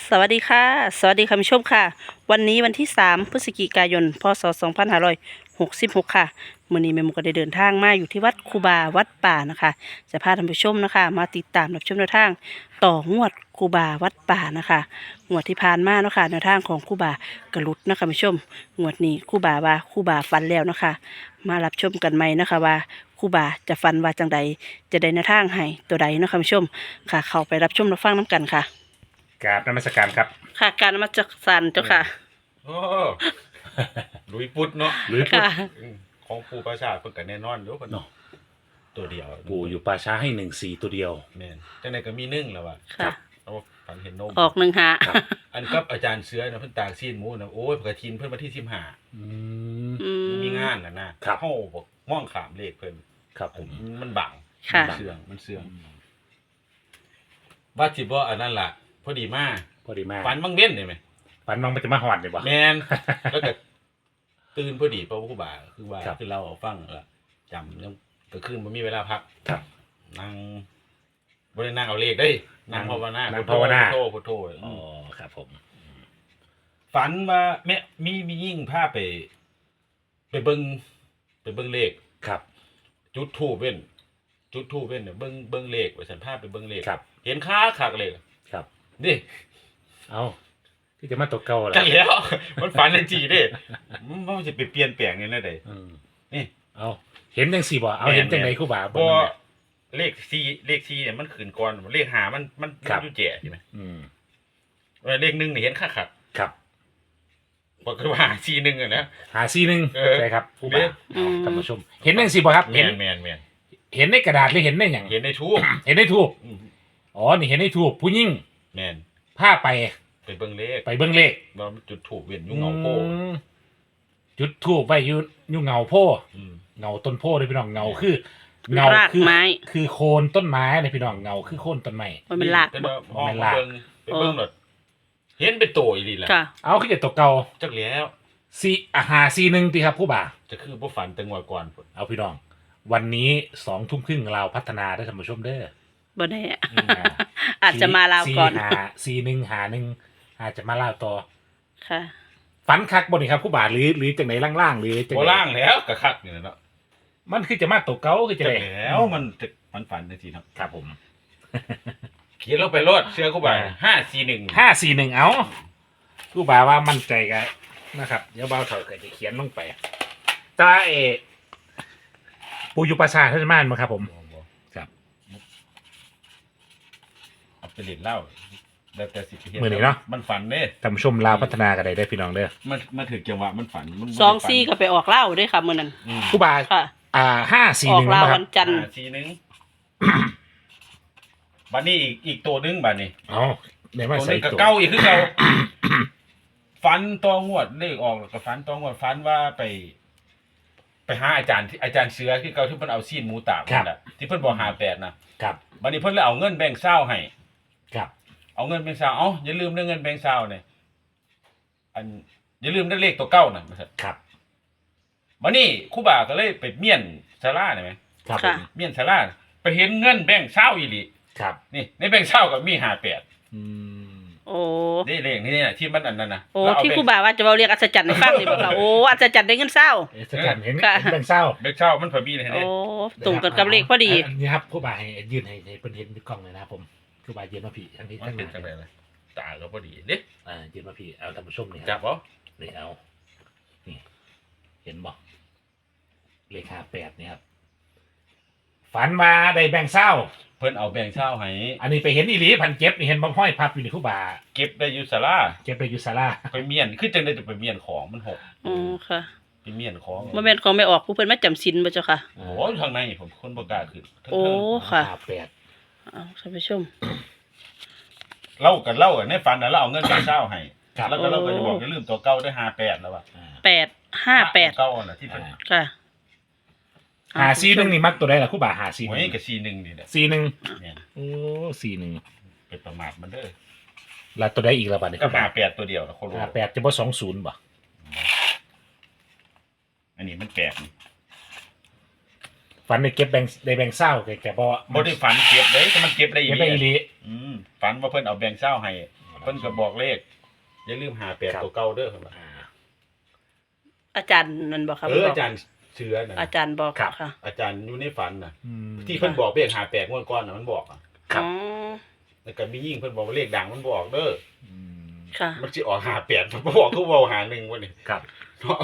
สวัสดีค่ะสวัสดีคุณผู้ชมค่ะวันนี้วันที่3พฤศจิกายนพศ2566ค่ะมื้อนี้แม่หมูก็ได้เดินทางมาอยู่ที่วัดคูบาวัดป่านะคะจะพาท่านผู้ชมนะคะมาติดตามรับชมแนวทางต่องวดคูบาวัดป่านะคะงวดที่ผ่านมาเนาะค่ะแนวทางของคูบากระลุดนะคะคุณผู้ชมงวดนี้คูบาว่าคูบาฝันแล้วนะคะมารับชมกันใหม่นะคะว่าคูบาจะฝันว่าจังใดจะได้แนวทางให้ตัวใดเนาะค่ะคุณผู้ชมค่ะเข้าไปรับชมรับฟังน้กันค่ะกราบนมัสการครับค่ะการนมัสการเจ้าค่ะโอ้ลุยปุดเนาะหรือพูดค่ะของปู่ประชาเพิ่นก็แน่นอนอยู่เพิ่นเนาะตัวเดียวปู่อยู่ป่าช้าให้1-4ตัวเดียวแม่นจังได๋ก็มีนึ่งแล้วว่ะค่ะเอาฝันเห็นนมออกหนึ่งหาอันกับอาจารย์เสือนะเพิ่นตากซีนหมูนะโอ้ยกระทินเพิ่นวันที่15 อืมอืมมีงานน่ะนะครับ เฮาบ่มองข้ามเลขเพิ่นครับผมมันบังค่ะมันเสื่องว่าสิบ่อันนั้นล่ะพอดีมาพอดีมากฝันบังเว้นได้ไหมฝันมันจะมาหอดเลยบ่แม่นแล้วก็ตื่นพอดีเพราะว่าครูบาคือว่าครับคือเราฟังละจำยังก็คืนบ่มีเวลาพักครับนั่งบ่ได้นั่งเอาเลขได้นั่งภาวนานั่งภาวนาพุทโธอ๋อครับผมฝันว่าแม่มียิ่งพาไปเบิ่งเลขครับจุดธูปเว้นเนี่ยเบิ่งเลขว่าฉันพาไปเบิ่งเลขครับเห็นค้าคักเลยครับนี่เอาที่จะมาตกเก่าเหรอจังแล้ว มันฝันจังซี่เด้มันสิไปเปลี่ยนแปลงนี่นะเด้อืมนี่เอาเห็นจังสี่บ่เอาเห็นจังไหนครูบาบ่เลข4เนี่ยมันขึ้นก่อนเลข5มันอยู่แจ๋ใช่มั้ยอืมเลข1นี่เห็นคักครับบ่คือว่า4 1อ่ะนะหา4-1 เออใช่ครับครูบาอืมท่านผู้ชม เห็นจังสี่บ่ครับแม่เห็นนเห็นในกระดาษหรือเห็นในหยังเห็นในทูบเห็นในทูบอ๋อนี่เห็นในทูบผู้หญิงแม่นพาไปไปเบิ่งเลขไปเบิ่งเลขว่ามันจุดทูบเว้นอยู่เงาโพอืมจุดทูบไว้อยู่เงาโพอืมเงาต้นโพเลยพี่น้องเงาคือเงารากคือไม้คือโคนต้นไม้เลยพี่น้องเงาคือโคนต้นไม้มันเป็นหลากแต่บ่ว่าห้องมันหลากเบิ่งไปเบิ่งหนดเห็นเป็นโตอีหลีล่ะค่ะเอาคือจะตกเก่าจักแล้ว 4-1ตีครับผู้บ่าจะคือบ่ฝันแต่งวดก่อนพุ่นเอาพี่น้อง วันนี้20:30เราวพัฒนาได้ท่านผู้ชมเด้อบ่แน่อืมอาจจะมาลาวก่อน 41อาจจะมาลาวต่อค่ะฝันคักบ่นี่ครับผู้บ่าหรือจังไหนล่างๆหรือจังบ่ไหนล่างแล้วก็คักนี่แหละเนาะมันคือจะมาตกเก่าคือจะจักได้แล้วมันฝันจังซี่เนาะครับผมเขียนลงไปโลดเชื่อกูบ่541 541เอาผู้บ่าว่ามั่นใจกันนะครับเดี๋ยวเบาเถอะก็จะเขียนลงไปตาปูอยู่ประชาท่านมานมาครับผม ครับเอาไปเล่นเหล้าแล้วแต่สิไปเฮ็ดมื้อนี้เนาะมันฝันเด้ท่านผู้ชมลาวพัฒนากันได้พี่น้องเด้อมันถึงจังหวะมันฝันมันบ่ได้สองฝันซี่ก็ไปออกเหล้าด้วยค่ะมื้อนั้นอืมผู้บ่าค่ะ ออก 541 เหล้านะครัวับนจันทร์ 541บัดนี้อีกตัวหนึงบัดนี้เอาได้มาตัวหใส่นึงก็ตัวเก่าอีกคือเก่า ฟันตองวดเลขออกแล้วก็ฟันตองวดฟันว่าไปหาอาจารย์ที่อาจารย์เสือที่เก่าที่เพิ่นเอาซีนหมูตากนั่นแหละที่เพิ่นบอก58นะครับ บัดนี้เพิ่นเลยเอาเงินแบ่งค์20ให้ครับเอาเงินแบ่งค์20เอ้าอย่าลืมเรื่องเงินแบ่งค์20เนี่ยอันอย่าลืมเรื่องเลขตัวเก่าน่ะว่าซั่นครับบัดนี้ครูบาก็เลยไปเมียนศาลาได้ไหมครับผค่ะมเมียนศาลาไปเห็นเงินแบ่งค์20อีหลีครับนี่ในแบ่งค์20ก็มี58 อืมโอ้นี่เลขนี่น่ะที่มันอันนั้นน่ะโอ้แล้วเาที่แบ่งครูบาว่าจะเว้าเรียกอัศจรรย์ให้ฟังนี่บ่ค่ะโอ้อัศจรรย์ได้เงินเศร้าสแกนเห็นค่ะเห็นแบงค์เศร้าแบ่งค์20มันพอมีเลยโอ้เนี่ยตรงกันกับเลขพอดีนนี้ครับผู้บ่าให้ยืนให้เพิ่นเห็นในกล้องเลยนะครับผมผู้บ่ายืนมาพี่ทั้งนี้มัทั้นงเป็นั้น นจังได๋ล่ะตาก็พอดีเด้ยืนมาพี่เอาท่านผู้ชมนี่คจัรับบ บ่นี่เอานี่เห็นบ่เลข58นี่ครับฝันมาได้แบงค์เศร้าเพิ่นเอาแบ่งค์20ให้อันนี้ไปเห็นอีหลีพันเก็บนี่เห็นบ่ห้อยพับอยู่ในผู้บ่าเก็บได้อยู่ศาลาเก็บไปอยู่ศาลาไปเมียนคือจังได๋จะไปเมียนของมันหกอ๋อค่ะไปเมียนของบ่แม่นของไม่ออกผู้เพิ่นมาจำศีลบ่เจ้าค่ะโอ้ยข้างในผมคนบ่กล้าขึ้นเทิงๆโอ้ ค่ะ 58 เอาท่านผู้ชมเล่ากันในฝันน่ะเราเอาเงินแบ่งค์20ให้ครับแล้วก็เราก็จะบอกอย่าลืมตัวเก่าด้วย58แล้วว่า 858 เก่าน่ะที่เพิ่นค่ะ 51นี่มักตัวใดล่ะผู้บ่าโอ้ยก็ 51 41นี่แหละ 41 เนี่ยโอ้41 เป็นประมาทมันเด้อแล้วตัวใดอีกละบัดนี้ก็58ตัวเดียวนะโคโล 58จะบ่20บ่อันนี้มันแปลกนี่ฝันได้เก็บได้แบงค์เศร้าแกบ่บ่ได้ฝันเก็บเลยแต่มันเก็บได้อีเก็บหได้อีหลีลีฝันว่าเพิ่นเอาแบ่งค์20ให้เพิ่นก็บอกเลขอย่าลืม58ตัวเก่าเด้อเพิ่นว่าอาจารย์นั่นบอกครับอาจารย์เชื้อน่ะอาจารย์บอกครับค่ะอาจารย์อยู่ในฝันน่ะอืมที่เพิ่นบอกเลข58งวดก่อนน่ะมันบอกอะครับอ๋อแล้วก็มียิ่งเพิ่นบอกว่าเลขดังมันบอกเด้ออืมค่ะมันสิออก58มันบอกคือเว้าหา1วันนี้ครับเนาะ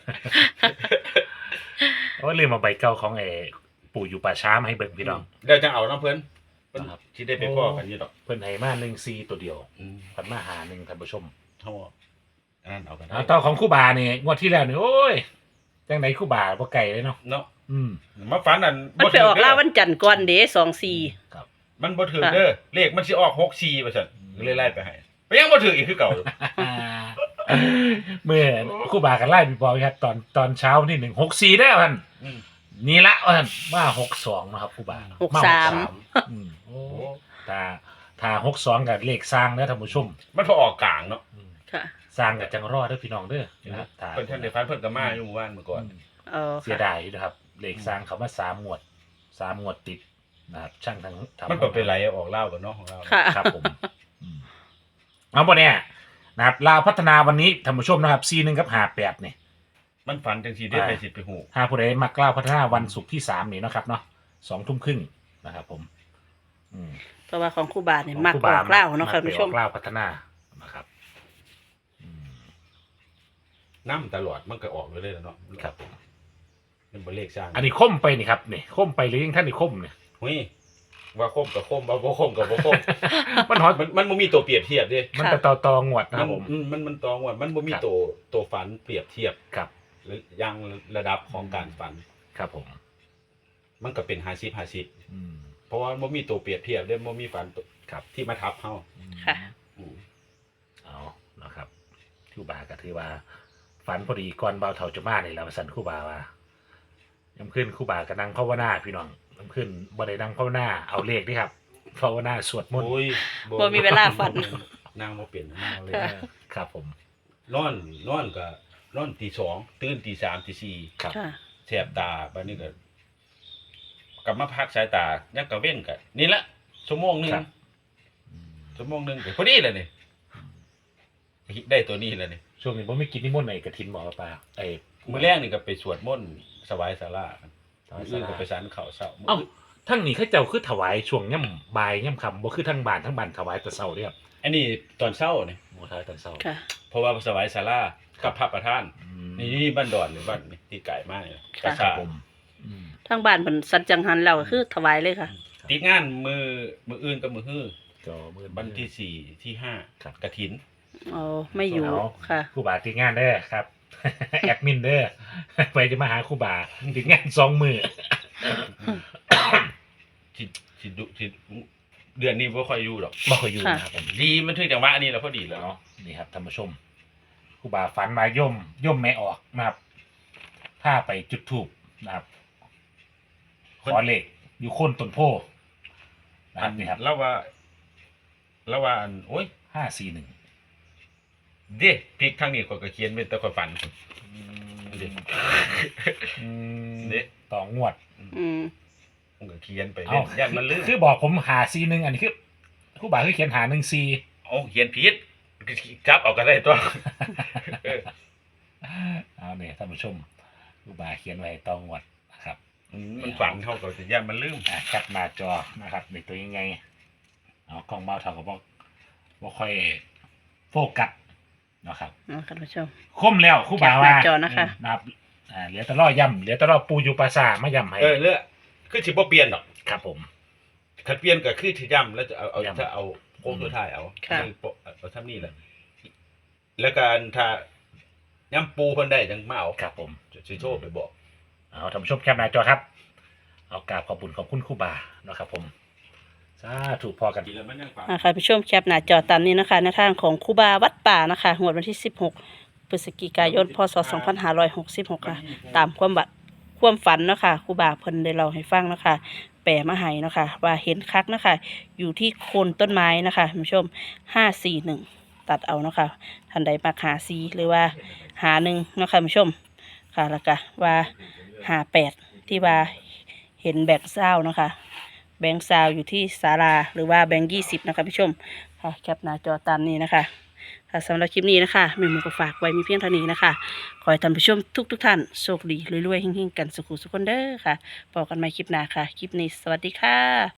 โอ้ลืมเอาใบเก่าของปู่อยู่ป่าช้ามาให้เบิ่งพี่น้องเดี๋ยวจังเอานํเพิ่นเพิ่นครับสิได้ไปพ้อกันอยู่ดอกเพิ่นให้มา1-4ตัวเดียวอืมพันมาหา1ท่านผู้ชมเฮาอันนั้นเอากันได้เอาต่อของครู่บานี่งวดที่แล้วนี่โอ้ยจังไหนครู่บาบ่ไกลเลยเนาะเนาะอืมมาฝันอันมันไปออกล่าวันจันทร์ก่อนเด้24 ครับมันบ่ถึงเด้อเลขมันสิออก64ว่าซั่นเลยไล่ไปให้ไปยังบ่ถึงอีกคือเก่าอยู่เมื่อครู่บากันไล่พี่บอยครับตอนเช้านี่164ได้อพันอืมนี่ละพันมา62นะครับครู่บาหกมาสาม 63อืมโอ้ถ้า62กับเลขสร้างนะท่านผู้ชมมันพอออกกลางเนาะอืมค่ะสร้างกับจังรอดเด้อพี่น้องเด้อนะครับถ้าเพิ่นท่านได้ฝันเพิ่นก็มาอยู่หมู่บ้านเมื่อก่อนอ๋อเสียค่ะดายอยู่นะครับเลขสร้างเขามา3งวดติดนะครับช่างทั้งทำมันก็เป็นไรออกเล่ากันเนาะของเราค่ะครับผมอืมเอาบ่เนี่ยนะครับลาวพัฒนาวันนี้ท่านผู้ชมนะครับ41กับ58เนี่ยมันฝันจังซี่ได้ไปสิไปฮู้ถ้าผู้ใดมักลาวพัฒนาวันศุกร์ที่3นี่เนาะครับเนาะ2 ทุ่มครึ่งนะครับผมอืมเพราะว่าของครูบาเนี่ยมักครูออกเล่าเนาะค่ะมักคุณไปผู้ชอมอกลาวพัฒนานะครับอืมนำตลอดมันก็ออกเลยเนาะครับผมมันบ่เลขสร้างอันนี้คมไปนี่ครับนี่คมไปหรือยังท่านนี่คมเนี่ยหุ้ยว่าคมกับคมบ่คมกับบ่คมมันหอยมันบ่มีตัวเปรียบเทียบเด้มันจะต่องวดนะครับผมมันตองว่ามันบ่มีครับตัวฝันเปรียบเทียบครับหรือยังระดับของการฝันครับผมมันก็เป็น50-50 อืมเพราะว่าบ่มีตัวเปรียบเทียบเด้บ่มีฝันตัวครับที่มาทับเฮาค่ะอืมเอานะครับครูบาก็ถือว่า ฝันพอดีก่อนเบาเท่าจะมาเนี่ยเราสั่นครูบาว่าย้ำขึ้นครูบาก็นั่งภาวนาพี่น้องย้ำขึ้นบ่ได้นั่งภาวนาเอาเลขนี่ครับภาวนาสวดมนต์โอ้ยบ่มีเวลาฝันนางบ่เป็นนางเลยค่ะครับผมนอนก็นอนตี2ตื่นตี3ตี4 ครับค่ะแสบตาบัดนี้ก็กลับมาพักสายตายังกะเว้นก็นี่ละชั่วโมงหนึงครับชั่วโมงหนึงก็พอดีแล้วนี่ได้ตัวนี้แล้วนี่ช่วงนี้ผมไม่กินนิมนต์ไหนกระถินบอกปลาไอ้มื้อแรกนี่ก็ไปสวดมนต์สวายศาลากันถวายมื้อศาลาก็ไปสันข้าวเช้าเอ้าทั้งนี้เขาเจ้าคือถวายช่วงย่ำบ่ายย่ำค่ำบ่คือทั้งบ้านทั้งบ้านถวายแต่เช้าเด้อครับอันนี้ตอนเช้านี่โมทายตอนเช้าค่ะเพราะว่าสวายศาลากับพระประธานอืมนี่บ้านดอนหรือบ้านนี่ที่ไกลมากเลยค่ะกระครัชาบผมอืมทางบ้านเพิ่นสัจจังหันเราก็คือถวายเลยค่ะติดงานมืออื่นกับมือฮื้อจอมือวันที่สี่ที่ห้าครับกระถินอ๋อ ไม่อยู่เอาค่ะครูบาติดงานเด้อครับ แอดมินเด้อ ไปจะมาหาครูบาติดงาน2 มื้อที่เดือนนี้ไม่ค่อยอยู่หรอกบ่เคยอยู่ค่ะนะครับผมดีมันถึงจังหวะนี้แล้วพอดีแล้วเนาะนี่ครับท่านผู้ชมครูบาฝันมาย่มไม่ออกนะครับถ้าไปจุดทูบนะครับ ขอเลขอยู่โคนต้นโพนะครับนี่ครับแล้วว่าอันโอ้ย 541 เด้พริกทางนี้ข่อยก็เขียนเป็นแต่ข่อยฝัน เด็ด เด้ต่องวดอืมผมก็เขียนไปเอ้าย่านมันลืมคือบอกผม541อันนี้คือครูบาคือเขียน514 เอาเขียนผิดจับเอาก็ได้ตัวเออเอาเนี่ยท่านผู้ชมครูบาเขียนไว้ต่องวดนะครับมันฝันเท่ากับย่านมันลืมแคปหน้าจอนะครับในตัวยังไงเอากล้องเบาเท่ากับบ่ค่อยโฟกัสนะครับเนาะค่ะท่านผู้ชมคมแล้วครู่บ่าวว่าแคปหน้าจอนะคะนะครับเหลือแต่ล่อย่ำเหลือแต่ล่อปูอยู่ปราสาทมาย่ำให้เลือกคือสิบ่เปลี่ยนหรอกครับผมคันเปลี่ยนก็คือสิย่ำแล้วจะเอาย่ำถ้าเอาโค้งสุดท้ายเอาค่ะเอาทำนี่แหละแล้วการถ้าย่ำปูเพิ่นได้จังมาเอาครับผมสิโทรไปบอกเอาท่านผู้ชมแคปหน้าจอครับเอากราบขอบคุณครู่บ่านะครับผมสาธุพอกันดีแล้วมันยังฝันค่ะผู้ชมแคปหน้าจอตามนี้นะคะในทางของครูบาวัดป่านะคะงวดวันที่ 16 พฤศจิกายน พศ 2566 ค่ะ ตามความฝันเนาะคะครูบาเพิ่นได้เล่าให้ฟังเนาะคะแปลมาให้เนาะคะว่าเห็นคักเนาะคะอยู่ที่โคนต้นไม้นะคะท่านผู้ชม 541 ตัดเอาเนาะคะท่านใดมักหา4หรือว่าหา1เนาะคะท่านผู้ชมค่ะแล้วก็ว่าหา8ที่ว่าเห็นแบงค์เศร้าเนาะคะแบงค์ซาวอยู่ที่ศาลาหรือว่าแบงค์20นะคะผู้ชมค่ะแคปหน้าจอตามนี้นะคะค่ะสำหรับคลิปนี้นะคะแม่หมูก็ฝากไว้มีเพียงเท่านี้นะคะขอให้ท่านผู้ชมทุกท่านโชคดีรวยๆเฮงๆกันสุขุสุขคนเด้อค่ะพบกันใหม่คลิปหน้าค่ะคลิปนี้สวัสดีค่ะ